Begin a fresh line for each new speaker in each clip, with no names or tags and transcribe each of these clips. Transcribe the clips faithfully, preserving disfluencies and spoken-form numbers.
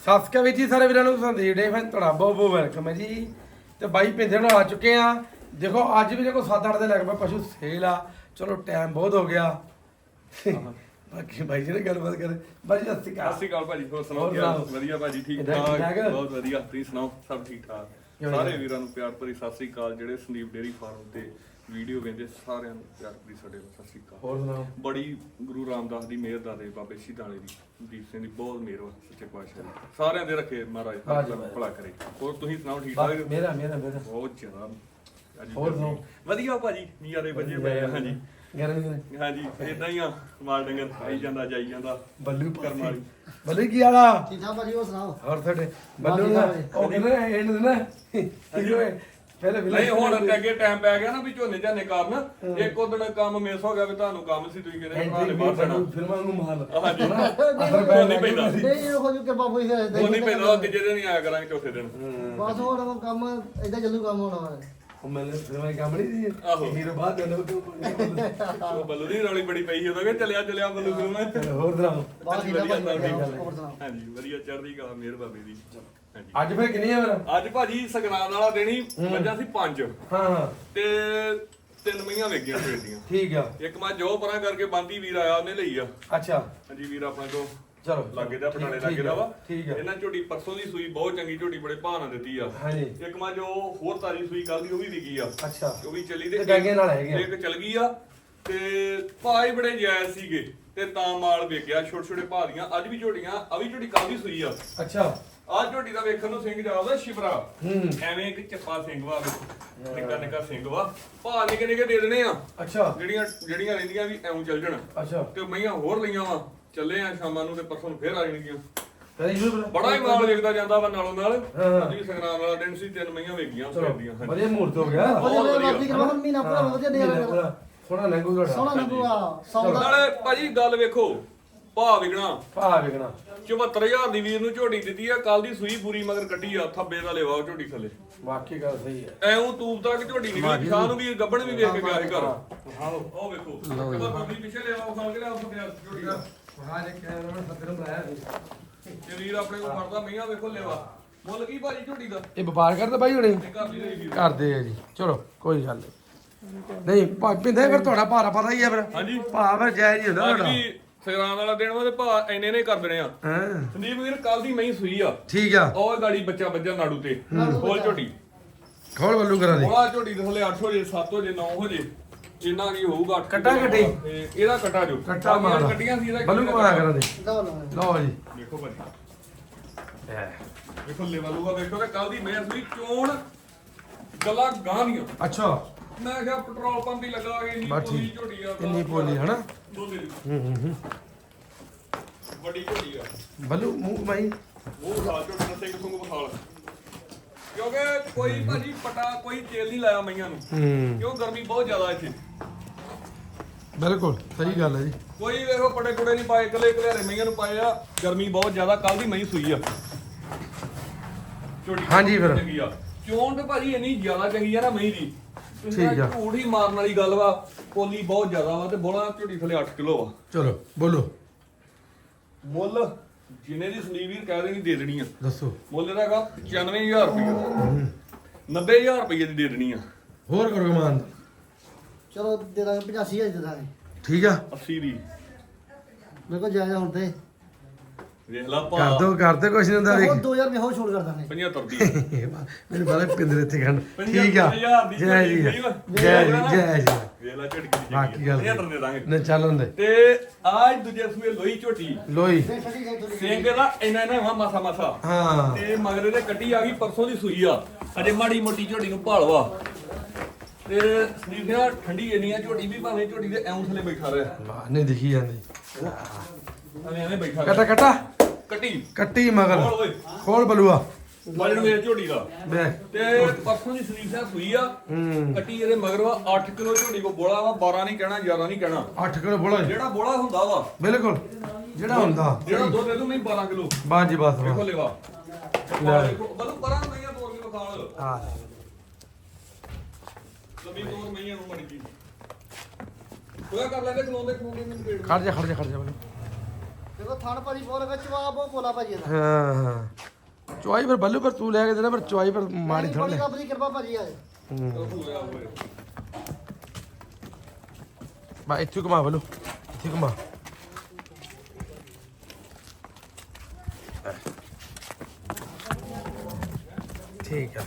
ਸਤਿ ਸ਼੍ਰੀ ਅਕਾਲ ਜੀ ਸਾਰੇ ਵੀਰਾਂ ਨੂੰ ਸੰਦੀਪ ਡੇ ਫੈਨ ਤੁਹਾਡਾ ਬਹੁਤ ਬਹੁਤ ਵੈਲਕਮ ਹੈ ਜੀ। ਤੇ ਬਾਈ ਪਿੰਦੇ ਨੂੰ ਆ ਚੁੱਕੇ ਆ। ਦੇਖੋ ਅੱਜ ਵੀ ਦੇਖੋ ਸੱਤ ਅੱਠ ਦੇ ਲੱਗ ਪਏ ਪਸ਼ੂ ਸੇਲ ਆ। ਚਲੋ ਟਾਈਮ ਬਹੁਤ ਹੋ ਗਿਆ। ਬਾਕੀ ਬਾਈ ਜੀ ਨੇ ਗੱਲਬਾਤ ਕਰੇ। ਬਾਈ ਜੀ ਸਤਿ ਸ਼੍ਰੀ ਅਕਾਲ।
ਸਤਿ ਸ਼੍ਰੀ ਅਕਾਲ ਭਾਜੀ, ਹੋਰ ਸੁਣਾਓ ਕੀ ਹਾਲ? ਵਧੀਆ ਭਾਜੀ, ਠੀਕ ਠਾਕ, ਬਹੁਤ ਵਧੀਆ। ਤੁਸੀਂ ਸੁਣਾਓ? ਸਭ ਠੀਕ ਠਾਕ। ਸਾਰੇ ਵੀਰਾਂ ਨੂੰ ਪਿਆਰ ਭਰੀ ਸਤਿ ਸ਼੍ਰੀ ਅਕਾਲ। ਜਿਹੜੇ ਸੰਦੀਪ ਡੇਅਰੀ ਫਾਰਮ ਤੇ ਵੀਡੀਓ ਵੇਖਦੇ ਸਾਰਿਆਂ ਨੂੰ ਪਿਆਰ ਭਰੀ ਸਾਡੇ ਵੱਲੋਂ ਸਤਿ ਸ਼੍ਰੀ ਅਕਾਲ।
ਹੋਰ ਸੁਣਾਓ?
ਬੜੀ ਗੁਰੂ ਰਾਮਦਾਸ ਦੀ ਮਿਹਰ ਦਾ ਦੇ ਬਾਬੇ ਸ਼ਹੀਦਾਂ ਦੀ ਦੀਪ ਸਿੰਘ ਦੀ ਬਹੁਤ ਮਿਹਰ ਵਾ ਸੱਚੇ ਪਾਤਸ਼ਾਹ ਦੀ। ਸਾਰਿਆਂ ਦੇ ਰੱਖੇ ਮਹਾਰਾਜ ਭਲਾ ਕਰੇ। ਹੋਰ ਤੁਸੀਂ ਸੁਣਾਓ? ਠੀਕ ਠਾਕ?
ਮੇਰਾ ਮੇਰਾ ਮੇਰਾ
ਬਹੁਤ ਜ਼ਿਆਦਾ।
ਹੋਰ ਸੁਣਾਓ?
ਵਧੀਆ ਭਾਜੀ, ਨਜ਼ਾਰੇ ਵੱਜੇ ਪਏ ਆ। ਹਾਂਜੀ
ਗਰਮੀ
ਹਾਂਜੀ ਇਦਾਂ ਹੀ ਆ। ਮਾਲ ਡੰਗਰ ਆਈ ਜਾਂਦਾ ਜਾਈ ਜਾਂਦਾ।
ਬੱਲੂ
ਕਰਮ ਵਾਲੀ
ਬੱਲੂ ਕੀ ਹਾਲ ਆ?
ਠੀਕ ਠਾਕ ਭਾਜੀ, ਹੋਰ ਸੁਣਾਓ?
ਹੋਰ ਤੁਹਾਡੇ ਬੱਲੂ ਨਾ ਉਹ ਕਹਿੰਦੇ ਇਹਨੂੰ ਨਾ ਪਹਿਲੇ
ਨਹੀਂ ਹੁਣ ਅੱਗੇ ਟਾਈਮ ਪੈ ਗਿਆ ਨਾ ਵੀ ਝੋਨੇ ਝਾਨੇ ਕਾਰਨ ਇੱਕ ਉਦੋਂ ਕੰਮ ਮਿਸ ਹੋ ਗਿਆ ਵੀ ਤੁਹਾਨੂੰ ਕੰਮ ਸੀ ਤੁਸੀਂ ਕਹਿੰਦੇ ਭਰਾ ਨੇ ਬਾਹਰ ਜਾਣਾ
ਫਿਲਮਾਂ ਨੂੰ ਮਾਲ
ਹਾਂਜੀ
ਅਸਰ
ਉਹ ਨਹੀਂ ਪੈਂਦਾ
ਨਹੀਂ ਇਹੋ ਜਿਹੀ ਕਿਰਪਾ ਹੋਈ ਹੈ
ਉਹ ਨਹੀਂ ਪੈਂਦਾ ਤੀਜੇ ਦਿਨ ਹੀ ਆਇਆ ਕਰਾਂਗੇ ਚੌਥੇ ਦਿਨ
ਬਸ ਹੁਣ ਕੰਮ ਏਦਾਂ ਚੱਲੂ ਕੰਮ ਹੋਣਾ ਵਾ।
ਉਹ ਮੈਨੂੰ ਫਿਲਮਾਂ ਕੰਮ ਨਹੀਂ ਸੀ
ਆਹੋ
ਹੀਰੋ ਬਾਅਦ ਦੇ ਲੋਕ
ਉਹ ਬੱਲੂ ਦੀ ਰੌਲੀ ਬੜੀ ਪਈ ਸੀ ਉਦੋਂ ਕਿ ਚੱਲਿਆ ਚੱਲਿਆ ਬੱਲੂ ਫਿਲਮ
ਹੋਰ ਸੁਣਾਓ?
ਬਾਹਰ ਠੀਕ ਠਾਕ ਭਾਜੀ, ਹੋਰ ਸੁਣਾਓ?
ਹਾਂਜੀ ਵਧੀਆ ਚੜ੍ਹਦੀ ਕਲਾ ਮਿਹਰ ਬਾਬੇ ਦੀ। ਹਾਂਜੀ
ਅੱਜ ਫੇਰ ਕਿੰਨੀ ਆ ਮੇਰਾ?
ਅੱਜ ਭਾਜੀ ਸਗਰਾਨ ਵਾਲਾ ਦੇਣੀ ਮੱਝਾਂ ਸੀ ਪੰਜ
ਹਾਂ ਹਾਂ
ਤੇ ਤਿੰਨ ਮਈਆਂ ਵੇਗੀਆਂ ਸਵੇਰ ਦੀਆਂ।
ਠੀਕ ਆ।
ਇੱਕ ਮੱਝ ਜੋ ਪਰਾਂ ਕਰਕੇ ਬੰਦੀ ਵੀਰ ਆਇਆ ਉਹਨੇ ਲਈ ਆ।
ਅੱਛਾ
ਹਾਂਜੀ ਵੀਰ ਆਪਣੇ ਤੋਂ
ਚਲੋ
ਲਾਗੇ ਦਾ ਪਟਾਲੇ ਲਾਗੇ ਦਾ ਵਾ।
ਠੀਕ ਆ।
ਇਹਨਾਂ ਝੋਟੀ ਪਰਸੋਂ ਦੀ ਸੂਈ ਬਹੁਤ ਚੰਗੀ ਝੋਟੀ ਬੜੇ ਭਾਅ ਨਾਲ ਦਿੱਤੀ ਆ।
ਹਾਂਜੀ
ਇੱਕ ਮੱਝ ਉਹ ਹੋਰ ਤਾਰੀ ਸੂਈ ਕੱਲ ਦੀ ਉਹ ਵੀ ਵਿਕੀ ਆ।
ਅੱਛਾ
ਉਹ ਵੀ ਚੱਲੀ
ਤੇ ਗਾਂਗੇ ਨਾਲ ਹੈਗੇ ਆ।
ਇੱਕ ਚਲ ਗਈ ਆ ਤੇ ਭਾਅ ਹੀ ਬੜੇ ਜਾਇਜ਼ ਸੀਗੇ ਤੇ ਤਾਂ ਮਾਲ ਵੇਖਿਆ ਛੋਟੇ ਛੋਟੇ ਭਾਅ ਦੀਆਂ। ਅੱਜ ਵੀ ਝੋਟੀਆਂ ਆ ਵੀ ਝੋਟੀ ਕੱਲ ਦੀ ਸੂਈ ਆ।
ਅੱਛਾ
ਆਹ ਝੋਟੀ ਦਾ ਵੇਖਣ ਨੂੰ ਸਿੰਘ ਜਾਉਦਾ ਸ਼ਿਵਰਾ
ਹੂੰ
ਐਵੇਂ ਇੱਕ ਚੱਪਾ ਸਿੰਘ ਵਾ ਨਿੱਕਾ ਨਿੱਕਾ ਸਿੰਘ ਵਾ ਭਾਅ ਨਿੱਕੇ ਨਿੱਕੇ ਦੇ ਦੇਣੇ ਆ।
ਅੱਛਾ
ਜਿਹੜੀਆਂ ਜਿਹੜੀਆਂ ਰਹਿੰਦੀਆਂ ਵੀ ਐਉਂ ਚੱਲ ਜਾਣ
ਅੱਛਾ
ਤੇ ਮਈਆਂ ਹੋਰ ਲਈਆਂ ਵਾ। ਚੱਲੇ ਆ ਸ਼ਾਮਾਂ ਨੂੰ ਤੇ ਪਰਸੋਂ ਨੂੰ ਫੇਰ ਆ ਜਾਣਗੀਆਂ।
ਕਰੀ
ਬੜਾ ਹੀ ਮਾਲ ਵੇਖਦਾ ਜਾਂਦਾ ਵਾ ਨਾਲੋਂ ਨਾਲ।
ਹਾਂ।
ਅੱਜ ਵੀ ਸੰਗਰਾਮ ਵਾਲਾ ਦਿਨ ਸੀ, ਤਿੰਨ ਮਈਆਂ ਵੇਖੀਆਂ
ਚਲੋ
ਦੀਆਂ।
ਵਧੀਆ ਮੂਰਤ ਹੋ ਗਿਆ।
ਵਧੀਆ ਬਾਕੀ ਕਰਵਾ ਮਹੀਨਾ ਪੂਰਾ ਵਧੀਆ ਦੇ ਰਿਹਾ
ਸੋਹਣਾ ਲੰਗੂ ਤੁਹਾਡਾ।
ਸੋਹਣਾ ਲੱਗੂਗਾ ਸੌਦਾ
ਨਾਲੇ ਭਾਜੀ ਗੱਲ ਵੇਖੋ ਭਾਅ ਵਿਕਣਾ
ਭਾ ਵਿਕਣਾ
ਚੁਹੱਤਰ ਹਜ਼ਾਰ ਦੀ ਵੀਰ ਨੂੰ ਝੋਟੀ ਦਿੱਤੀ ਆ। ਕੱਲ ਦੀ ਸੂਈ ਪੂਰੀ ਮਗਰ ਕੱਟੀ ਆ। ਥੱਬੇ ਦਾ ਲੇਵਾ ਉਹ ਝੋਟੀ ਥੱਲੇ
ਵਾਕਈ ਗੱਲ ਸਹੀ ਹੈ।
ਐਉਂ ਤੂਬ ਤੱਕ ਝੋਟੀ ਨਿਕਲੀ। ਸ਼ਾਹ ਨੂੰ ਵੀ ਗੱਬਣ ਵੀ ਵੇਖ ਕੇ ਗਿਆ ਸੀ ਘਰ।
ਹਾਓ
ਉਹ ਵੇਖੋ ਬੱਬੀ ਪਿੱਛੇ ਲਿਆਵਾ ਖਾਲ ਕੇ ਲਿਆ ਉਸ ਤੇ ਝੋਟੀ ਦਾ
ਹਾਂ ਜੇ ਕਹਿ ਰਹਾ ਸੱਤ ਨੂੰ ਬਣਾਇਆ ਸੀ।
ਤੇ ਵੀਰ ਆਪਣੇ ਕੋਲ ਫੜਦਾ ਮਈਆਂ ਵੇਖੋ ਲੇਵਾ ਮੁੱਲ ਕੀ ਭਾਜੀ ਝੋਟੀ ਦਾ
ਇਹ ਵਪਾਰ ਕਰਦੇ ਬਾਈ ਹੁਣੇ
ਤੇ ਘਰ ਦੀ ਲਈ ਵੀਰ
ਕਰਦੇ ਆ ਜੀ। ਚਲੋ ਕੋਈ ਗੱਲ ਨਹੀਂ ਨਹੀਂ ਭਾ ਪਿੰਦੇ ਫਿਰ ਤੁਹਾਡਾ ਭਾਰਾ ਪਤਾ ਹੀ ਆ ਫਿਰ।
ਹਾਂਜੀ
ਭਾ ਫਿਰ ਜਾਇਜ਼ ਹੀ ਹੁੰਦਾ
ਅੱਜ
ਤੁਹਾਡਾ।
ਵੀ ਸੰਗਰਾਮ ਵਾਲਾ ਦਿਨ ਵਾ ਤੇ ਭਾਅ ਇੰਨੇ ਨੇ ਕਰ ਦੇਣੇ ਆ।
ਹਾਂ
ਸੰਦੀਪ ਵੀਰ ਕੱਲ ਦੀ ਮਈ ਸੂਈ ਆ।
ਠੀਕ ਆ।
ਉਹ ਗਾੜੀ ਬੱਚਾ ਬੱਜਾ ਨਾੜੂ ਤੇ ਖੋਲ ਝੋਟੀ
ਖੋਲ ਬੱਲੂ ਕਰਾ ਦੇ।
ਬੋਲਾ ਝੋਟੀ ਦੇ ਥੱਲੇ ਅੱਠ ਹੋ ਜੇ ਸੱਤ ਹੋ ਜੇ ਨੌ ਹੋ ਜੇ ਇੰਨਾ ਕੀ ਹੋਊਗਾ। ਅੱਠ
ਕੱਟਾ ਕੱਟੀ?
ਤੇ ਇਹਦਾ ਕੱਟਾ ਜੋ
ਕੱਟਾ ਮਾਰ
ਕੱਟੀਆਂ ਸੀ ਇਹਦਾ
ਬੱਲੂ ਕਰਾ ਕਰਾ ਦੇ।
ਲਓ ਲਓ
ਲਓ ਜੀ
ਦੇਖੋ ਭਾਜੀ ਦੇਖੋ ਲੈਵਲੂਗਾ ਦੇਖੋ ਤੇ ਕੱਲ ਦੀ ਮੇਰ ਸੂਈ ਚੋਣ ਗੱਲਾਂ ਗਾਂ ਦੀਆਂ।
ਅੱਛਾ
ਮੈਂ ਕਿਹਾ ਪੈਟਰੋਲ ਪੰਪ ਹੀ ਲੱਗਾ ਕੇ ਇੰਨੀ
ਬਸ
ਪੋਲੀ
ਠੀਕ।
ਝੋਟੀ ਆ।
ਕਿੰਨੀ ਪੋਲੀ ਹਨਾ?
ਦੋਨੇ ਦੀ
ਹੂੰ ਹੂੰ ਹੂੰ
ਵੱਡੀ ਝੋਟੀ ਆ।
ਬੱਲੂ ਮੂੰਹ ਬਾਈ
ਉਹ ਖਾ ਝੋਟੀ ਦਾ ਸਿੰਘ ਸੁੰਗ ਬਖਾਲ ਕਿਉਂਕਿ ਕੋਈ ਭਾਜੀ ਪਟਾ ਕੋਈ ਤੇਲ ਨਹੀਂ ਲਾਇਆ ਮਈਆਂ ਨੂੰ
ਹੂੰ
ਕਿਉਂ ਗਰਮੀ ਬਹੁਤ ਜ਼ਿਆਦਾ ਇੱਥੇ।
ਬਿਲਕੁਲ ਸਹੀ ਗੱਲ ਹੈ ਜੀ।
ਕੋਈ ਵੇਖੋ ਪਟੇ ਕੁੜੇ ਨਹੀਂ ਪਾਏ ਇਕੱਲੇ ਇਕੱਲੇ ਮਈਆਂ ਨੂੰ ਪਾਏ ਆ। ਗਰਮੀ ਬਹੁਤ ਜ਼ਿਆਦਾ ਕੱਲ ਦੀ ਮਈ ਸੂਈ ਆ ਝੋਟੀ
ਹਾਂਜੀ ਫਿਰ।
ਚੰਗੀ ਆ। ਚੋਣ ਤੇ ਭਾਜੀ ਇੰਨੀ ਜ਼ਿਆਦਾ ਚੰਗੀ ਆ ਨਾ ਮਈ ਦੀ
ਠੀਕ ਆ।
ਝੂਠ ਹੀ ਮਾਰਨ ਵਾਲੀ ਗੱਲ ਵਾ। ਪੋਲੀ ਬਹੁਤ ਜ਼ਿਆਦਾ ਵਾ ਤੇ ਬੋਲਾ ਝੋਟੀ ਥੱਲੇ ਅੱਠ ਕਿਲੋ ਆ।
ਚਲੋ ਬੋਲੋ
ਮੁੱਲ ਜਿੰਨੇ ਦੀ ਸਲੀਵੀਰ ਕਹਿ ਦੇਣੀ ਦੇ ਦੇਣੀ ਆ।
ਦੱਸੋ।
ਮੁੱਲ ਇਹਦਾ ਹੈਗਾ ਪਚਾਨਵੇਂ ਹਜ਼ਾਰ ਰੁਪਏ ਨੱਬੇ ਹਜ਼ਾਰ ਰੁਪਏ ਦੀ ਦੇ ਦੇਣੀ ਆ।
ਹੋਰ ਕਰੋ ਕਮਾਨ।
ਚਲੋ ਦੇ ਦਾਂਗੇ ਪਚਾਸੀ ਹਜ਼ਾਰ ਦੇ ਦਾਂਗੇ।
ਠੀਕ ਆ
ਅੱਸੀ ਦੀ
ਮੇਰੇ ਕੋਲ ਜਾਇਜ਼ ਹੁਣ ਤੇ
ਵੇਖ ਲਾ
ਕਰ
ਭਾ
ਦੋ ਕਰਦੇ ਕੁਛ ਨਹੀਂ ਹੁੰਦਾ
ਹੋਰ
ਵੇਖ।
ਦੋ ਹਜ਼ਾਰ ਰੁਪਏ ਹੋਰ ਛੋੜ ਕਰ ਦਾਂਗੇ।
ਪਝੱਤਰ ਦੀ
ਮੈਨੂੰ ਪਤਾ ਪਿੰਦਰ ਇੱਥੇ ਖੰਡ ਠੀਕ ਆ।
ਹਜ਼ਾਰ ਦੀ
ਜੈ ਜੀ
ਝੋਟੀ
ਜੈ ਜੀ ਜੈ ਜੀ
ਵੇਖ ਲਾ ਝਟਕੀ ਦੀ
ਬਾਕੀ ਗੱਲ
ਪਝੱਤਰ ਦੇ ਦਾਂਗੇ।
ਨਾ ਚੱਲਣ ਦੇ
ਤੇ ਆਜ ਦੂਜੇ ਸੂਏ ਲੋਈ ਝੋਟੀ
ਲੋਈ
ਸਿੰਘ ਦਾ ਇੰਨਾ ਇੰਨਾ ਵਾ ਮਾਸਾ ਮਾਸਾ
ਹਾਂ
ਤੇ ਮਗਰੇ ਦੇ ਕੱਟੀ ਆ ਗਈ ਪਰਸੋਂ ਦੀ ਸੂਈ ਆ। ਅਜੇ ਮਾੜੀ ਮੋਟੀ ਝੋਟੀ ਨੂੰ ਭਾਲਵਾ ਤੇ ਸੰਦੀਪ ਨੇ ਠੰਡੀ ਇੰਨੀ ਆ ਝੋਟੀ ਵੀ ਭਾਵੇਂ ਝੋਟੀ ਦੇ ਐਉਂ ਥੱਲੇ ਬੈਠਾ ਰਿਹਾ
ਵਾਹ ਨਹੀਂ ਦਿਖੀ ਜਾਂਦੀ।
ਐਵੇਂ ਐਵੇਂ ਬੈਠਾ
ਕਟਾ
ਰਿਹਾ।
ਕਟਾ
ਕੱਟੀ
ਕੱਟੀ ਮਗਰ
ਖੋਲ ਓਏ
ਖੋਲ ਬਲੂਆ
ਵਜਣ ਵੇਖ ਝੋਟੀ ਦਾ
ਦੇ
ਤੇ ਪਰਸੋਂ ਦੀ ਸੰਦੀਪ ਸਾਹਿਬ ਸੂਈ ਆ।
ਹੂੰ
ਕੱਟੀ ਇਹਦੇ ਮਗਰ ਵਾ ਅੱਠ ਕਿਲੋ ਝੋਟੀ ਕੋ ਬੋਲਾ ਵਾ। ਬਾਰਾਂ ਨਹੀਂ ਕਹਿਣਾ ਗਿਆਰਾਂ ਨਹੀਂ ਕਹਿਣਾ।
ਅੱਠ ਕਿਲੋ ਬੋਲਾ ਜੀ।
ਜਿਹੜਾ ਬੋਲਾ ਹੁੰਦਾ ਵਾ
ਬਿਲਕੁਲ ਜਿਹੜਾ ਹੁੰਦਾ
ਜਿਹੜਾ ਦੁੱਧ ਦੇ ਦੂ ਮੈਂ ਬਾਰਾਂ ਕਿਲੋ
ਬਾਸ ਜੀ ਬਸ
ਵੇਖੋ
ਵਾ
ਲੈਵਾ
ਲੈ।
ਦੇਖੋ ਬਲੂ ਪਰਾਂ ਮਈਆਂ ਦੋ ਕਿਲੋ ਖਾਲ
ਹਾਂ
ਲੰਮੀ ਤੋਰ ਮਈਆਂ ਨੂੰ ਮੜੀ ਜੀ ਹੋਇਆ ਕਰ ਲੈਂਦੇ ਖਲੋਂਦੇ ਖਲੋਂਦੇ ਮੈਨੂੰ ਪੇੜ
ਖੜ ਜਾ ਖੜ ਜਾ ਖੜ ਜਾ ਬਲੂ
ਦੇਖੋ ਥਣ ਭਾਜੀ ਬਹੁਤ ਲੱਗਾ ਚਵਾ ਬਹੁਤ ਬੋਲਾ ਭਾਜੀ ਇਹਦਾ
ਹਾਂ ਹਾਂ ਚੁਆਈ ਫਿਰ ਬੱਲੂ ਪਰ ਤੂੰ ਲੈ ਕੇ ਦੇਣਾ ਪਰ ਚੁਆਈ ਪਰ ਮਾੜੀ ਥੋੜੀ
ਬੜੀ ਰੱਬ ਦੀ ਕਿਰਪਾ ਭਾਜੀ ਆ
ਬਾ ਇੱਥੇ ਘੁਮਾ ਬੱਲੂ ਇੱਥੇ ਘੁਮਾ ਠੀਕ ਆ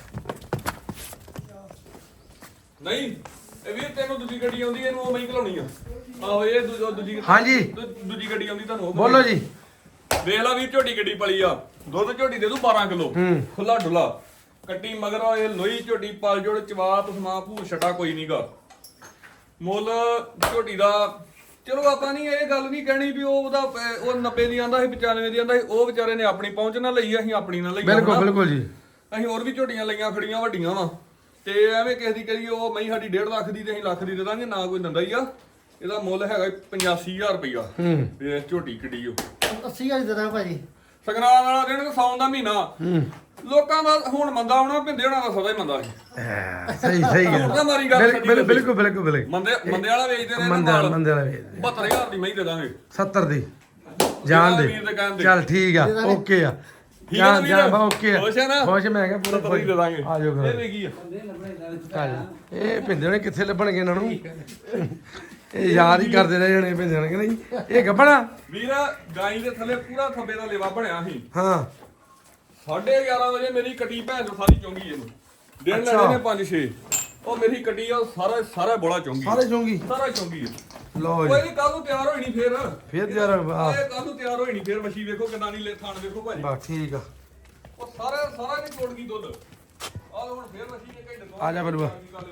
ਨਹੀਂ ਇਹ ਵੀਰ ਤੈਨੂੰ ਦੂਜੀ ਗੱਡੀ ਆਉਂਦੀ ਇਹਨੂੰ ਉਹ ਮੈਂ ਘਲਾਉਣੀ ਆ ਆਹੋ ਇਹ ਦੂ- ਦੂਜੀ
ਹਾਂਜੀ।
ਦੂ- ਦੂਜੀ ਗੱਡੀ ਆਉਂਦੀ ਤੁਹਾਨੂੰ ਉਹ
ਬੋਲੋ ਜੀ
ਵੇਖ ਲਾ ਵੀਰ ਝੋਟੀ ਗੱਡੀ ਪਲੀ ਆ ਦੁੱਧ ਝੋਟੀ ਦੇ ਦੂ ਬਾਰਾਂ ਕਿਲੋ
ਹੂੰ।
ਖੁੱਲਾ ਡੁੱਲਾ ਕੱਟੀ ਮਗਰ ਇਹ ਲੋਈ ਝੋਟੀ ਪਲ ਜੋੜ ਚਵਾ ਤਸਮਾ ਭੂ ਛਟਾ ਕੋਈ ਨਹੀਂਗਾ ਮੁੱਲ ਝੋਟੀ ਦਾ ਚਲੋ ਆਪਾਂ ਨਹੀਂ ਇਹ ਗੱਲ ਨਹੀਂ ਕਹਿਣੀ ਵੀ ਉਹ ਉਹਦਾ ਪ- ਉਹ ਨੱਬੇ ਦੀ ਆਂਦਾ ਸੀ ਪਚਾਨਵੇਂ ਦੀ ਆਂਦਾ ਸੀ ਉਹ ਵਿਚਾਰੇ ਨੇ ਆਪਣੀ ਪਹੁੰਚ ਨਾਲ ਲਈ ਅਸੀਂ ਆਪਣੀ ਨਾਲ ਲਈ
ਬਿਲਕੁਲ ਬਿਲਕੁਲ ਜੀ
ਅਸੀਂ ਹੋਰ ਵੀ ਝੋਟੀਆਂ ਲਈਆਂ ਖੜੀਆਂ ਵੱਡੀਆਂ ਵਾ ਤੇ ਐਵੇਂ ਕਿਸੇ ਦੀ ਕਰੀ ਉਹ ਮਈ ਸਾਡੀ ਡੇਢ ਲੱਖ ਦੀ ਤੇ ਅਸੀਂ ਲੱਖ ਦੀ ਦੇ ਦਾਂਗੇ ਨਾ ਕੋਈ ਦਿੰਦਾ ਹੀ ਆ ਇਹਦਾ ਮੁੱਲ ਹੈਗਾ ਪਚਾਸੀ ਹਜ਼ਾਰ ਰੁਪਈਆ
ਹੂੰ
ਇਹ ਝੋਟੀ ਕਿੱਡੀ ਓ
ਅੱਸੀ ਹਜ਼ਾਰ ਦੇ ਦਾਂ ਭਾਜੀ
ਸੰਗਰਾਂਦ ਵਾਲਾ ਦਿਨ ਸੌਣ ਦਾ ਮਹੀਨਾ
ਹੂੰ
ਲੋਕਾਂ ਦਾ ਹੁਣ ਮੰਦਾ ਆਉਣਾ ਭਿੰਦੇ ਹੋਣਾ ਦਾ ਸਦਾ ਹੀ ਮੰਦਾ ਸੀ
ਹਾਂ, ਸਹੀ ਸਹੀ ਗੱਲ
ਉਹਦਾ ਮਾਰੀ ਗੱਲ
ਬਿਲ-
ਸੱਚੀ
ਬਿਲ-
ਦੱਸੀ।
ਬਿਲਕੁਲ ਬਿਲਕੁਲ ਬਿਲਕੁਲ
ਮੰਦੇ ਮੰਦੇ ਵਾਲਾ ਵੇਚਦੇ ਨੇ
ਮੰਦੇ ਵਾਲਾ ਮੰਦੇ ਵਾਲਾ ਵੇਚਦੇ
ਬਹੱਤਰ ਹਜ਼ਾਰ ਦੀ ਮਹੀਂ ਦੇ ਦਾਂਗੇ
ਸੱਤਰ ਦੀ ਜਾਣ ਦੇ
ਵੀਰ ਦੇ ਕਹਿਣ ਦੇ।
ਚੱਲ ਠੀਕ ਆ ਓਕੇ ਆ
ਠੀਕ ਆ
ਜਾਨ
ਵੀਰ?
ਜਾਨ ਬਾ ਓਕੇ ਆ
ਖੁਸ਼ ਆ ਨਾ?
ਖੁਸ਼ ਮੈਂ ਕਿਹਾ ਪੂਰਾ
ਸੱਤਰ ਹੀ ਦੇ ਦਾਂਗੇ
ਆ ਜਾਓ
ਇਹ
ਘਰ
ਵੇਖੀ ਆ
ਆ ਜਾਓ। ਇਹ ਭਿੰਦੇ ਨੇ ਕਿੱਥੇ ਲੱਭਣਗੇ ਇਹਨਾਂ ਨੂੰ ਇਹ ਯਾਦ ਹੀ ਕਰਦੇ ਰਹੇ ਜਣੇ ਭਿੰਦੇ ਨੇ ਕਿ ਨਹੀਂ ਇਹ ਗੱਬਣਾ
ਵੀਰ ਗਾਈ ਦੇ ਥੱਲੇ ਪੂਰਾ ਥੱਬੇ ਦਾ ਲੇਵਾ ਬਣਿਆ ਸੀ
ਹਾਂ
ਸਾਢੇ ਗਿਆਰਾਂ ਵਜੇ ਮੇਰੀ ਕੱਟੀ ਭੈਣ ਨੂੰ ਸਾਰੀ ਚੁੰਗੀ ਇਹਨੂੰ ਦਿਨ
ਅੱਛਾ।
ਲੈਣੇ ਨੇ ਪੰਜ ਛੇ ਉਹ ਮੇਰੀ ਕੱਟੀ ਆ ਸਾਰਾ ਸਾਰਾ ਬੋਲਾ ਚੁੰਗੀ
ਸਾਰੇ ਜੋਂਗੀ
ਸਾਰਾ ਚੁੰਗੀ ਆ।
ਲਓ
ਕੋਈ
ਜੀ
ਨਹੀਂ ਕੱਲ ਨੂੰ ਤਿਆਰ ਹੋਈ ਨਹੀਂ ਫੇਰ
ਫਿਰ ਯਾਰ ਵਾਹ
ਇਹ ਕੱਲ ਨੂੰ ਤਿਆਰ ਹੋਈ ਨਹੀਂ ਫੇਰ ਮੱਛੀ ਵੇਖੋ ਕਿੰਨਾ ਨਹੀਂ ਲੈ ਥਾਣ ਵੇਖੋ ਭਾਜੀ
ਬਾ ਠੀਕ ਆ
ਉਹ ਸਾਰਾ ਸਾਰਾ ਨਹੀਂ ਛੋੜ ਗਈ ਦੁੱਧ ਆਹ ਲਓ ਹੁਣ ਫੇਰ ਮੱਛੀ ਨੇ ਘੰਟੇ ਤੋਂ
ਆ ਜਾ ਬਲੂਆ।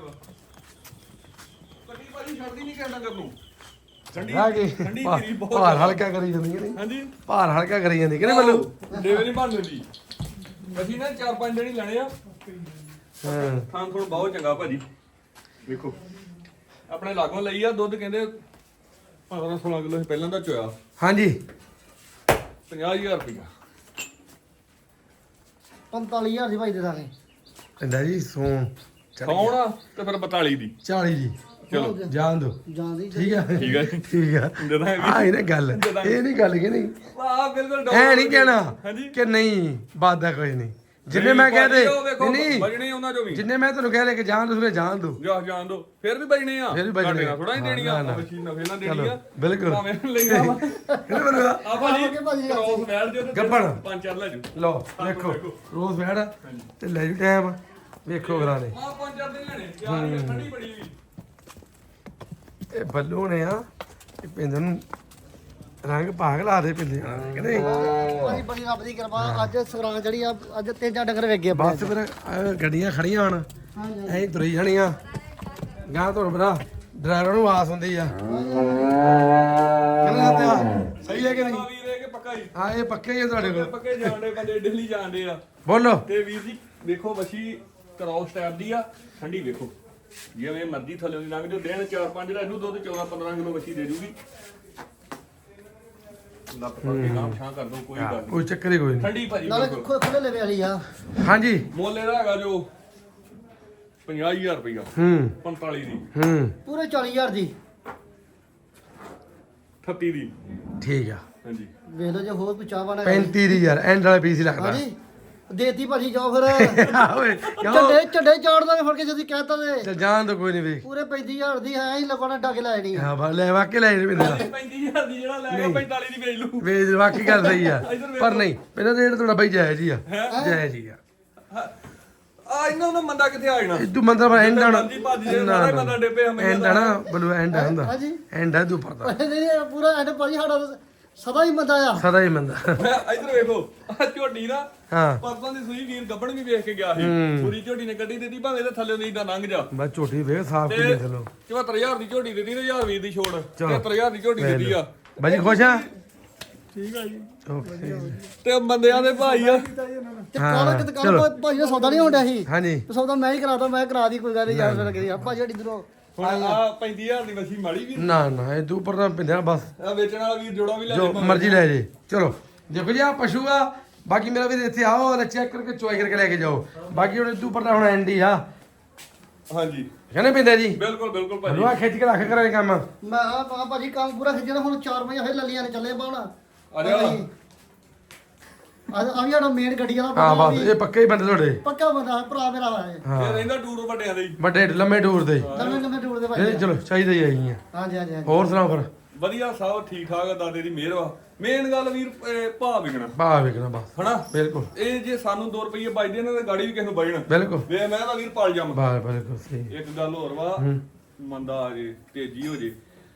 ਕੱਟੀ ਭਾਜੀ ਛੱਡਦੀ ਨਹੀਂ ਕਹਿਣਾ ਕਰ ਨੂੰ ਠੰਡੀ
ਆ ਗਈ
ਠੰਡੀ
ਭਾ-
ਤੇਰੀ ਬਹੁਤ
ਭਾਰ ਹਲਕਾ ਕਰੀ ਜਾਂਦੀ ਕਿ ਨਹੀਂ
ਹਾਂਜੀ
ਭਾਰ ਹਲਕਾ ਕਰੀ ਜਾਂਦੀ ਕਿ ਨਹੀਂ ਬੱਲੂ
ਡੇਵੇ ਨਹੀਂ ਬਣ ਲੈਂਦੀ ਅਸੀਂ ਨਾ ਚਾਰ ਪੰਜ ਦਿਨ ਹੀ ਲੈਣੇ ਆ
ਹਾਂ
ਥਾਂ ਥੋੜਾ ਬਹੁਤ ਚੰਗਾ ਭਾਜੀ ਵੇਖੋ ਆਪਣੇ ਲਾਗੋਂ ਲਈ ਆ ਦੁੱਧ ਕਹਿੰਦੇ ਪੰਦਰਾਂ ਸੋਲਾਂ ਕਿਲੋ ਸੀ ਪਹਿਲਾਂ ਦਾ ਚੋਇਆ
ਹਾਂਜੀ
ਪੰਜਾਹ ਹਜ਼ਾਰ ਰੁਪਇਆ
ਪੰਤਾਲੀ ਹਜ਼ਾਰ ਦੀ ਭਾਈ ਦੇ ਦਾਂਗੇ
ਕਹਿੰਦਾ ਜੀ ਸੋਨ
ਸੌਣਾ ਤੇ ਫਿਰ ਬਤਾਲੀ ਦੀ
ਚਾਲੀ ਜੀ
ਚਲੋ
ਜਾਣ ਦੋ
ਜਾਂਦੀ
ਠੀਕ ਆ
ਠੀਕ ਆ
ਠੀਕ ਆ
ਦੇ ਦਾਂਗੇ
ਆ ਇਹ ਨਾ ਗੱਲ ਇਹ ਨਹੀਂ ਗੱਲ ਕਿ ਨਹੀਂ
ਵਾਹ ਬਿਲਕੁਲ
ਐ ਨਹੀਂ ਕਹਿਣਾ
ਹਾਂਜੀ
ਕਿ ਨਹੀਂ ਬਾਦਾ ਕੋਈ ਨਹੀਂ ਜਿੰਨੇ ਮੈਂ ਕਹਦੇ ਨਹੀਂ
ਬਜਣੇ ਉਹਨਾਂ ਚੋਂ ਵੀ
ਜਿੰਨੇ ਮੈਂ ਤੁਹਾਨੂੰ ਕਹਿ ਰਿਹਾ ਕਿ ਜਾਣ ਦੋ ਜਾਣ ਦੋ
ਜਾ ਜਾਣ ਦੋ ਫਿਰ ਵੀ ਬਜਣੇ ਆ
ਫਿਰ ਵੀ ਬਚਣੇ ਆ।
ਥੋੜਾ ਹੀ
ਹਾਂ,
ਦੇਣੀ ਆ
ਨਾ, ਨਾ।
ਮਸ਼ੀਨ ਨਫੇ ਨਾਲ ਦੇਣੀ
ਚਲੋ,
ਆ
ਬਿਲਕੁਲ।
ਭਾਵੇਂ ਲਈਆਂ ਵਾ
ਇਹਨੇ ਮੈਨੂੰ
ਆ ਭਾਜੀ
ਆਵਾਂਗੇ ਭਾਜੀ
ਕ੍ਰੋਸ ਮੈਲ ਜੋ ਤੇ
ਗੱਭਣ।
ਪੰਜ ਚਾਰ ਲੈ ਜੂ
ਲਓ ਵੇਖੋ ਰੋਜ਼ ਬੈੜ ਤੇ ਲੈ ਜੂ ਟਾਈਮ ਵੇਖੋ ਗਰਾਨੇ
ਆ ਪੰਜ ਚਾਰ ਦਿਨ ਲੈਣੇ ਯਾਰ ਇਹ ਠੰਡੀ ਬੜੀ ਵੀ
ਇਹ ਬੱਲੂ ਨੇ ਆ ਇਹ ਪਿੰਡ ਨੂੰ ਰੰਗ ਭਾਗ ਲਾ ਦੇ ਪਿੰਦੇ ਕਿ ਨਹੀਂ
ਭਾਜੀ ਬੜੀ ਰੱਬ ਦੀ ਕਿਰਪਾ ਅੱਜ ਸਗਰਾਂ ਜਿਹੜੀ ਆ ਅੱਜ ਤਿੰਨ ਚਾਰ ਡੰਗਰ ਵੇਖ ਗਏ ਆਪਾਂ
ਬਸ ਫਿਰ ਆਹ ਗੱਡੀਆਂ ਖੜੀਆਂ ਹੁਣ
ਹਾਂਜੀ
ਐਂ ਤੁਰੀ ਜਾਣੀਆਂ ਗਾਂ ਤੁਹਾਨੂੰ ਪਤਾ ਡਰਾਈਵਰ ਨੂੰ ਆਸ ਹੁੰਦੀ ਆ ਕਹਿੰਦਾ ਸੱਤਿਆ ਸਹੀ ਹੈ ਕਿ ਨਹੀਂ
ਆ ਵੀਰ ਇਹ ਕਿ ਪੱਕਾ ਹੀ
ਹਾਂ ਇਹ ਪੱਕੇ ਹੀ ਆ ਤੁਹਾਡੇ ਕੋਲ
ਪੱਕੇ ਜਾਣਦੇ ਬੰਦੇ ਦਿੱਲੀ ਜਾਣਦੇ ਆ
ਬੋਲੋ
ਤੇ ਵੀਰ ਜੀ ਵੇਖੋ ਵਸ਼ੀ ਕ੍ਰੋਸ ਟਾਈਪ ਦੀ ਆ ਠੰਡੀ ਵੇਖੋ ਜਿਵੇਂ ਮਰਜ਼ੀ ਥੱਲੇ ਦੀ ਲੰਘ ਜੋ ਦਿਨ ਚਾਰ ਪੰਜ ਦਾ ਇਹਨੂੰ ਦੁੱਧ ਚੌਦਾਂ ਪੰਦਰਾਂ ਕਿਲੋ ਵਸ਼ੀ ਦੇ ਜੂਗੀ ਲੱਪ ਪਾ ਕੇ ਨਾਮ ਛਾਂ ਕਰ ਦੋ ਕੋਈ ਗੱਲ ਨਹੀਂ
ਕੋਈ ਚੱਕਰ ਹੀ ਕੋਈ ਨਹੀਂ
ਠੰਡੀ ਭਾਜੀ
ਨਾਲੇ
ਬਿਲਕੁਲ
ਖੁ- ਖੁੱਲੇ ਲੈਵੇ ਵਾਲੀ ਆ
ਹਾਂਜੀ
ਮੁੱਲ ਇਹਦਾ ਹੈਗਾ ਜੋ ਪੰਜਾਹ ਹਜ਼ਾਰ ਰੁਪਇਆ
ਹੂੰ
ਪੰਤਾਲੀ ਦੀ
ਹੂੰ
ਪੂਰੇ ਚਾਲੀ ਹਜ਼ਾਰ ਦੀ
ਅਠੱਤੀ ਦੀ
ਠੀਕ ਆ
ਹਾਂਜੀ
ਵੇਖ ਲਓ ਜੇ ਹੋਰ ਕੋਈ ਚਾਹ ਬਣਾ
ਪੈਂਤੀ ਦੀ ਯਾਰ ਐਂਡ ਵਾਲਾ ਪੀਸ ਹੀ ਲੱਗਦਾ
ਹਾਂਜੀ ਦੇਤੀ ਭਾਜੀ ਜਾਓ ਫਿਰ
ਓਏ ਕਿਉਂ
ਝੰਡੇ ਝੰਡੇ ਚਾੜ ਦਾਂਗੇ ਫੜ ਕੇ ਜਦੀ ਕਹਿਤਾ ਤੇ
ਚੱਲ ਜਾਣ ਦੋ ਕੋਈ ਨਹੀਂ ਵੇਖ
ਪੂਰੇ ਪੈਂਤੀ ਹਜ਼ਾਰ ਦੀ ਹੈ ਹੀ ਲੋਕਾਂ ਨੇ ਡਾਕੇ ਲੈ ਜਾਣੀ ਆ।
ਹਾਂ ਬਾ ਲੈ ਵਾਕੇ ਲੈ ਜੀ ਪਿੰਦਰ
ਪੈਂਤੀ ਹਜ਼ਾਰ ਦੀ ਜਿਹੜਾ ਲੈ ਗਿਆ ਪੈਂਤਾਲੀ ਦੀ ਵੇਚ ਲੂ
ਵੇਚ ਵਾਕੀ ਗੱਲ ਸਹੀ ਆ ਪਰ ਨਹੀਂ ਪਹਿਲਾਂ ਰੇਟ ਤੁਹਾਡਾ ਬਾਈ ਜਾਇਜ਼ ਹੀ ਆ ਜਾਇਜ਼ ਹੀ ਆ
ਆ ਇਹਨਾਂ ਦਾ ਮੰਦਾ ਕਿੱਥੇ ਆ ਜਾਣਾ
ਇਦੂ ਮੰਦਰ ਪਰ ਐਂਡ ਆਣਾ
ਮਰਜ਼ੀ ਭੱਜ ਜੇ, ਸਾਰਾ ਹੀ ਬੰਦਾ ਡਿੱਪੇ ਹਮੇਸ਼ਾ
ਐਂਡ ਆਣਾ ਬਲੂ ਐਂਡ ਹੁੰਦਾ
ਹਾਂਜੀ
ਐਂਡ ਆ ਤੂੰ ਪਰਦਾ
ਨਹੀਂ ਨਹੀਂ ਪੂਰਾ ਐਂਡ ਭਾਜੀ ਸਾਡਾ ਤਾਂ ਸਦਾ ਹੀ ਮੰਦਾ ਆ
ਸਦਾ ਹੀ ਮੰਦਾ
ਮੈਂ ਇਧਰ ਵੇਖੋ ਆ ਝੋਟੀ ਨਾ
ਹਾਂ
ਪਰਸੋਂ ਦੀ ਸੂਈ ਵੀਰ ਗੱਬਣ ਵੀ ਵੇਖ ਕੇ ਗਿਆ ਸੀ ਪੂਰੀ ਝੋਟੀ ਨੇ ਕੱਢੀ ਦਿੱਤੀ ਭਾਵੇਂ ਇਹਦੇ ਥੱਲੇ ਦੀ ਦਾ ਲੰਘ ਜਾ
ਬਸ ਝੋਟੀ ਵੇਖ ਸਾਫ
ਤੇ
ਕਿੰਨੀ ਚਲੋ
ਚੁਹੱਤਰ ਹਜ਼ਾਰ ਦੀ ਝੋਟੀ ਦਿੱਤੀ ਤੇ ਹਜ਼ਾਰ ਵੀਰ ਦੀ ਛੋੜ
ਚਲੋ।
ਤੇਹੱਤਰ ਹਜ਼ਾਰ ਦੀ ਝੋਟੀ ਦਿੱਤੀ ਆ
ਬਾਜੀ ਖੁਸ਼ ਆ
ਠੀਕ ਆ ਜੀ
ਓਕੇ
ਤੇ ਬੰਦਿਆਂ ਦੇ ਭਾਈ ਆ
ਤੇ ਕੱਲ ਕਿਤੇ ਕੱਲ ਭਾਜੀ ਦਾ ਸੌਦਾ ਨਹੀਂ ਹੋਣ ਡਿਆ ਸੀ
ਹਾਂਜੀ
ਤੇ ਸੌਦਾ ਮੈਂ ਹੀ ਕਰਾਤਾ ਮੈਂ ਕਰਾ ਦੀ ਕੋਈ ਗੱਲ ਨਹੀਂ ਯਾਰ ਫਿਰ ਕਰੀ ਆਪਾਂ ਜਿਹੜੀ ਇਧਰੋਂ
ਹੁਣ ਆ ਪੈਂਤੀ ਹਜ਼ਾਰ ਦੀ ਵਸੀ ਮਾੜੀ ਵੀ
ਨਾ ਨਾ ਇਹ ਤੂੰ ਪਰਦਾ ਪਿੰਦਿਆ ਬਸ
ਆ ਵੇਚਣ ਵਾਲਾ ਵੀਰ ਜੋੜਾ ਵੀ ਲੈ
ਜੋ
ਲੈ
ਮਰਜ਼ੀ ਲੈ ਜੇ ਚਲੋ ਦੇਖੋ ਜੀ ਆ ਪਸ਼ੂ ਆ ਬਾਕੀ ਮੇਰਾ ਵੀਰ ਇੱਥੇ ਆਓ ਔਰ ਚੈੱਕ ਕਰਕੇ ਚੁਆਈ ਕਰਕੇ ਲੈ ਕੇ ਜਾਓ ਬਾਕੀ ਹੁਣ ਤੂੰ ਪਰਦਾ ਹੁਣ ਐਂਡੀ ਆ
ਹਾਂਜੀ
ਕਹਿੰਦੇ ਪਿੰਦੇ ਜੀ
ਬਿਲਕੁਲ ਬਿਲਕੁਲ ਭਾਜੀ
ਹਲਵਾ ਖਿੱਚ ਕੇ ਰੱਖ ਕਰੇ ਕੰਮ
ਮੈਂ ਆ ਭਾਜੀ ਕੰਮ ਪੂਰਾ ਖਿੱਚਣਾ ਹੁਣ ਚਾਰ ਵਜੇ ਫੇਰ ਲੱਲੀਆਂ ਨੇ ਚੱਲੇ ਬਾਉਣਾ
ਆ ਜਾ
ਅੱਜ ਆ ਵੀ ਸਾਡਾ ਮੇਨ ਗੱਡੀ ਵਾਲਾ
ਹਾਂ
ਬੰਦਾ
ਬਸ
ਵੀ
ਇਹ ਪੱਕੇ ਹੀ ਬੰਦੇ ਤੁਹਾਡੇ
ਪੱਕਾ ਬੰਦਾ ਭਰਾ ਮੇਰਾ ਵਾ ਇਹ
ਹਾਂ
ਇਹ ਰਹਿੰਦਾ ਟੂਰ ਵੱਡਿਆਂ ਦੇ ਹੀ।
ਵੱਡੇ ਲੰਮੇ ਟੂਰ ਦੇ
ਨਵੇਂ ਨਵੇਂ ਟੂਰ ਦੇ
ਇਹ
ਭਾਈ
ਚਲੋ ਚਾਹੀਦਾ ਹੀ ਆਈ ਆ
ਹਾਂਜੀ ਹਾਂਜੀ ਹਾਂਜੀ
ਹੋਰ ਸੁਣਾਓ ਫਿਰ
ਵਧੀਆ ਸਭ ਠੀਕ ਠਾਕ ਆ, ਦਾਦੇ ਦੀ ਮਿਹਰ ਵਾ। ਮੇਨ ਗੱਲ ਵੀਰ ਇਹ ਭਾਅ ਵਿਕਣਾ
ਭਾ ਵੇਖਣਾ ਬਸ
ਹਨਾ।
ਬਿਲਕੁਲ
ਇਹ ਜੇ ਸਾਨੂੰ ਦੋ ਰੁਪਏ ਬਚਦੇ ਨੇ ਤੇ ਗਾੜੀ ਵੀ ਕਿਸੇ ਨੂੰ ਬਚਣ।
ਬਿਲਕੁਲ
ਵੇ ਮੈਂ ਤਾਂ ਵੀਰ ਪਲ ਜੰਮ।
ਬਾ ਬਿਲਕੁਲ ਸਹੀ
ਇੱਕ ਗੱਲ ਹੋਰ ਵਾ, ਮੰਦਾ ਆ ਜੇ ਤੇਜ਼ੀ ਹੋ ਜੇ,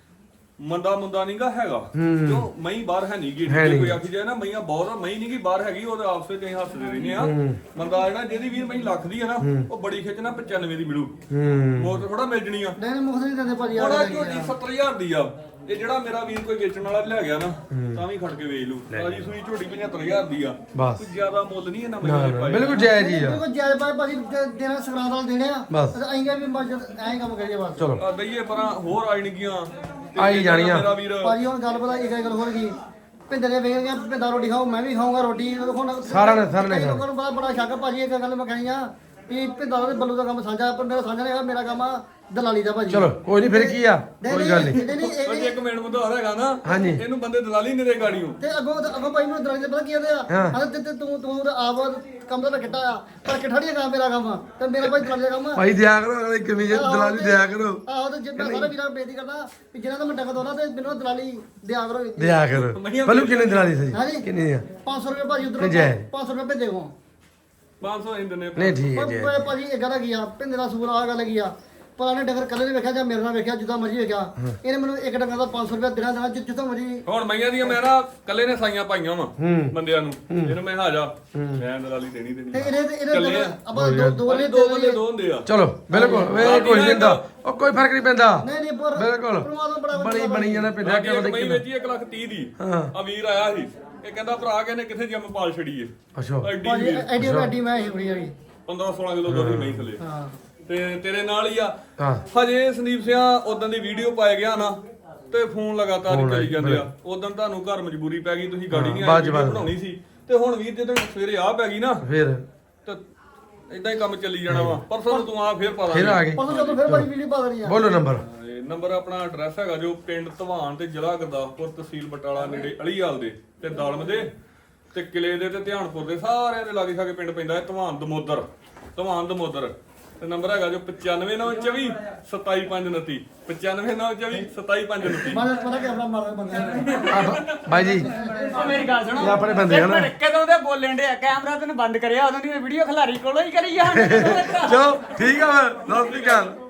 ਮੰਦਾ ਮੁੰਦਾ ਨਹੀਂਗਾ ਹੈਗਾ ਜੋ ਮਈ ਬਾਹਰ ਹੈ ਨਹੀਂ ਗੀ।
ਹੈ ਨੀ।
ਕੋਈ ਆਖੀ ਜਾਏ ਨਾ ਮਈਆਂ ਬਹੁਤ ਆ, ਮਈ ਨਹੀਂ ਗੀ ਬਾਹਰ ਹੈਗੀ, ਉਹ ਆਪਸ ਵਿੱਚ ਅਸੀਂ ਹੱਸਦੇ ਰਹਿੰਦੇ ਆ। ਮੰਦਾ ਜਿਹੜਾ ਜਿਹਦੀ ਵੀਰ ਮਈ ਲੱਖ ਦੀ ਹੈ ਨਾ, ਉਹ ਬੜੀ ਖਿੱਚ ਨਾ ਪਚਾਨਵੇਂ ਦੀ ਮਿਲੂ,
ਹੂੰ
ਮੋਰ ਥੋੜਾ ਮਿਲ ਜਣੀ ਆ।
ਨਹੀਂ ਨਹੀਂ ਮੁਖਤ ਨਹੀਂ ਦਿੰਦੇ ਭਾਜੀ
ਉਹਦਾ
ਆ
ਝੋਟੀ ਸੱਤਰ ਹਜ਼ਾਰ ਦੀ ਆ। ਇਹ ਜਿਹੜਾ ਮੇਰਾ ਵੀਰ ਕੋਈ ਵੇਚਣ ਵਾਲਾ ਲੈ ਗਿਆ ਨਾ, ਤਾਂ ਵੀ ਖੜ ਕੇ ਵੇਚ ਲੂ। ਤਾਜੀ ਸੂਈ ਝੋਟੀ ਪਝੱਤਰ ਹਜ਼ਾਰ ਦੀ ਆ।
ਬਸ।
ਕੋਈ ਜ਼ਿਆਦਾ ਮੁੱਲ ਨਹੀਂ ਇਹਨਾਂ
ਨਾ
ਮਈਆਂ
ਨਾ
ਦੇ
ਬਿਲਕੁਲ ਜਾਇਜ਼ ਹੀ ਆ
ਬਿਲਕੁਲ ਜਾਇਜ਼ ਭਾਈ ਭਾਜੀ ਦੇ- ਦੇਣਾ ਸੰਗਰਾਂਦ ਵਾਲੇ ਦੇਣੇ ਆ
ਬਸ।
ਤੇ ਆਏਗਾ ਵੀ ਮਸਜਿਦ ਐਂ ਕੰਮ ਕਰੀਏ ਬਸ
ਚਲੋ
ਆ ਦਈਏ ਪਰਾਂ ਹੋਰ ਆਈਣਗੀਆਂ
ਆਈ ਜਾਣੀਆਂ।
ਮੇਰਾ ਵੀਰ
ਭਾਜੀ ਹੁਣ ਗੱਲ ਪਤਾ ਇੱਕ ਗੱਲ ਹੋਰ ਗਈ ਭਿੰਦਰ ਨੇ ਵੇਖ ਗਿਆ ਭਿੰਦਾ ਰੋਟੀ ਖਾਓ ਮੈਂ ਵੀ ਖਾਊਂਗਾ ਰੋਟੀ ਹੁਣ
ਸਾਰਿਆਂ ਨੇ- ਸਾਰਿਆਂ ਨੇ
ਕਈ ਲੋਕਾਂ ਨੂੰ ਬੜਾ ਬੜਾ ਸ਼ੱਕ ਆ ਭਾਜੀ ਇੱਕ ਗੱਲ ਮੈਂ ਕਹਿਣੀ ਆ ਵੀ ਭਿੰਦਾ ਦੇ ਬੱਲੂ ਦਾ ਕੰਮ ਸਾਂਝਾ ਪਰ ਮੇਰਾ ਸਾਂਝਾ ਨਹੀਂ ਹੈਗਾ, ਮੇਰਾ ਕੰਮ ਆ ਦਲਾਲੀ ਦਾ ਭਾਜੀ
ਚਲੋ ਕੋਈ ਨਹੀਂ ਫਿਰ ਕੀ ਆ ਕੋਈ ਗੱਲ ਨਹੀਂ
ਨਹੀਂ ਨਹੀਂ
ਉਹ
ਇਹ-
ਜੇ ਇੱਕ ਮਿੰਟ ਮੁੰਡਾ ਹੈਗਾ ਨਾ,
ਹਾਂਜੀ।
ਇਹਨੂੰ ਬੰਦੇ ਦਲਾਲੀ ਨਹੀਂ ਦੇ ਗਾੜੀਓ।
ਤੇ ਅੱਗੋਂ ਅੱਗੋਂ ਭਾਈ ਮੈਨੂੰ ਦਲਾਲੀ ਦਾ ਪਤਾ ਕੀ ਕਹਿੰਦੇ ਆ
ਹਾਂ।
ਹਾਂ ਤੇ ਤੇ ਤੂੰ ਤੂੰ ਤਾਂ ਆਪ ਕੰਮ ਦਾ ਕਿੱਟਾ ਆ ਪਰ ਕਿੱਟਾ ਨਹੀਂ ਕੰਮ ਮੇਰਾ ਕੰਮ ਆ ਤੇ ਮੇਰਾ ਭਾਈ ਦਲਾਲੀ ਦਾ ਕੰਮ ਆ
ਭਾਈ ਦਿਆ ਕਰੋ ਅਗਲੇ ਕਮੀ ਜੇ ਦਲਾਲੀ ਦਿਆ ਕਰੋ
ਆਹੋ ਤੇ ਜੇ ਮੈਂ ਸਾਰੇ ਵੀਰਾਂ ਨੂੰ ਬੇਨਤੀ ਕਰਦਾ ਵੀ ਜਿਹਨਾਂ ਦਾ ਮੈਂ ਟੱਕ ਦੋਨਾ ਤੇ ਮੈਨੂੰ ਦਲਾਲੀ ਦਿਆ ਕਰੋ
ਦਿਆ ਕਰੋ ਪਹਿਲੂ ਕਿੰਨੇ ਦਲਾਲੀ ਸਹੀ
ਹਾਂਜੀ।
ਕਿੰਨੀ ਆ
ਪੰਜ ਸੌ ਰੁਪਏ ਭਾਜੀ ਉਧਰ
ਤੇ ਜੈ।
ਪੰਜ ਸੌ ਰੁਪਏ ਭੇਜੇ ਕੋ
ਪੰਜ ਸੌ ਇੰਦ ਨੇ
ਨਹੀਂ ਠੀਕ ਹੈ ਜੀ
ਪਰ ਭਾਜੀ ਇਹ ਗੱਲ ਕੀ ਆ ਭਿੰਦੇ ਦਾ ਸੂਰ ਆ ਗੱਲ ਕੀ ਆ ਪਰ ਇਹਨੇ ਡੰਗਰ ਕੱਲੇ ਨੇ ਵੇਖਿਆ ਜਾਂ ਮੇਰੇ ਨਾਲ ਵੇਖਿਆ ਜਿੱਦਾਂ ਮਰਜੀ ਵੇਖਿਆ ਇਹਨੇ ਮੈਨੂੰ ਇੱਕ ਡੰਗਰ ਦਾ ਪੰਜ ਸੌ ਰੁਪਏ ਦੇਣਾ ਦੇਣਾ ਜਿ- ਜਿੱਥੋਂ ਮਰਜੀ
ਹੁਣ ਮਈਆਂ ਦੀਆਂ ਮੈਂ ਨਾ ਕੱਲੇ ਨੇ ਸਾਈਆਂ ਪਾਈਆਂ ਵਾ ਬੰਦਿਆਂ ਨੂੰ, ਇਹਨੂੰ ਮੈਂ ਹਾਜਾ ਮੈਂ ਦਲਾਲੀ ਦੇਣੀ
ਤੇ
ਦੇਣੀ।
ਇਹਨੇ ਇਹਨੇ
ਇਕੱਲੇ
ਡੰਗਰ
ਆ।
ਆਪਾਂ ਦੋ ਦੋ ਨੇ
ਦੋ ਬੰਦੇ ਦੋ ਹੁੰਦੇ ਆ।
ਚਲੋ ਬਿਲਕੁਲ ਇਹ ਕੋਈ ਨਹੀਂ ਹੁੰਦਾ ਉਹ ਕੋਈ ਫਰਕ ਨਹੀਂ ਪੈਂਦਾ
ਨਹੀਂ ਨਹੀਂ ਪਰ
ਬਿਲਕੁਲ
ਪਰਮਾਤਮਾ ਬੜਾ
ਬਣੀ ਬਣੀ ਜਾਂਦਾ ਪਿੰਡਾ
ਬਾਕੀ
ਕਿ
ਇੱਕ
ਪਤਾ
ਮਈ
ਕਿੰਨਾ
ਵੇਚੀ ਇੱਕ ਲੱਖ ਤੀਹ ਦੀ।
ਹਾਂ।
ਆ ਵੀਰ ਆਇਆ ਸੀ, ਇਹ ਕਹਿੰਦਾ ਭਰਾ ਕਹਿੰਦੇ ਕਿੱਥੇ ਜਿੰਮ ਪਾਲ ਛੜੀਏ।
ਅੱਛਾ
ਐਡੀ
ਭਾਜੀ
ਵੀਰ
ਐਡੀ ਐਡੀ ਮੈਂ ਹੀ ਬੜੀ ਹੈਗੀ
ਪੰਦਰਾਂ ਸੋਲਾਂ ਕਿਲੋ ਦੁੱਧ ਨਹੀਂ ਥੱਲੇ।
ਹਾਂ
ਤੇ ਤੇਰੇ ਨਾਲ ਹੀ ਆ।
ਹਾਂ
ਹਜੇ ਸੰਦੀਪ ਸਿਆ ਉਦੋਂ ਦੀ ਵੀਡੀਓ ਪਾਏ ਗਿਆ ਨਾ, ਤੇ ਫੋਨ ਲਗਾਤਾਰ ਹੀ
ਫੋਨ
ਕਰੀ
ਆਈ,
ਜਾਂਦੇ ਆ। ਉਦੋਂ ਤੁਹਾਨੂੰ ਘਰ ਮਜਬੂਰੀ ਪੈ ਗਈ, ਤੁਸੀਂ ਗਾੜੀ ਨਹੀਂ
ਹਾਂ,
ਆਈ
ਬਾਅਦ ਚ
ਵੀਡੀਓ
ਬਾਅਦ।
ਬਣਾਉਣੀ ਸੀ। ਤੇ ਹੁਣ ਵੀਰ ਜਦੋਂ ਸਵੇਰੇ ਆ ਪੈ ਗਈ ਨਾ,
ਫਿਰ
ਤੇ ਇਦਾਂ ਹੀ ਕੰਮ ਚੱਲੀ ਜਾਣਾ ਵਾ। ਪਰਸੋਂ ਨੂੰ ਤੂੰ ਆ ਫੇਰ ਪਾ
ਫਿਰ ਆ
ਦਾਂਗੇ।
ਗਏ
ਪਰਸੋਂ ਜਦੋਂ ਫਿਰ ਭਾਜੀ ਵੀਡੀਓ ਪਾ ਦੇਣੀ ਆ
ਬੋਲੋ ਨੰਬਰ
ਇਹ ਨੰਬਰ ਆਪਣਾ ਐਡਰੈਸ ਹੈਗਾ ਜੋ ਪਿੰਡ ਧਵਾਨ ਤੇ ਜ਼ਿਲ੍ਹਾ ਗੁਰਦਾਸਪੁਰ ਤਹਿਸੀਲ ਬਟਾਲਾ ਨੇੜੇ ਅਲੀਵਾਲ ਦੇ ਤੇ ਦਾਲਮ ਦੇ ਤੇ ਕਿਲੇ ਦੇ ਤੇ ਧਿਆਨਪੁਰ ਦੇ ਸਾਰਿਆਂ ਦੇ ਲਾਗੇ ਛਾਗੇ ਪਿੰਡ ਪੈਂਦਾ ਹੈ ਧਵਾਨ ਦਮੋਦਰ। ਧਵਾਨ ਦਮੋਦਰ ਤੇ ਨੰਬਰ ਹੈਗਾ ਜੋ ਪਚਾਨਵੇਂ ਨੌ ਚੌਵੀ ਸਤਾਈ ਪੰਜ ਉਨੱਤੀ ਪਚਾਨਵੇਂ ਨੌ ਚੌਵੀ ਸਤਾਈ ਪੰਜ ਉਨੱਤੀ।
ਮਾਰੇ ਪਤਾ ਕੈਮਰਾ ਮਾਰਦਾ ਬੰਦਾ
ਆ ਬਾਈ ਜੀ
ਉਹ ਮੇਰੀ ਗੱਲ ਸੁਣੋ
ਇਹ ਆਪਣੇ ਬੰਦੇ ਆ ਨਾ।
ਇੱਕ ਮਿੰਟ, ਕਦੋਂ ਦੇ ਬੋਲਣ ਦੇ ਕੈਮਰਾ ਤੈਨੂੰ ਬੰਦ ਕਰਿਆ ਉਦੋਂ ਦੀ ਵੀਡੀਓ ਖਿਲਾਰੀ ਕੋਲੋਂ ਹੀ ਕਰੀ ਜਾਣ
ਚਲੋ ਠੀਕ ਆ ਫਿਰ ਸਤਿ ਸ਼੍ਰੀ ਅਕਾਲ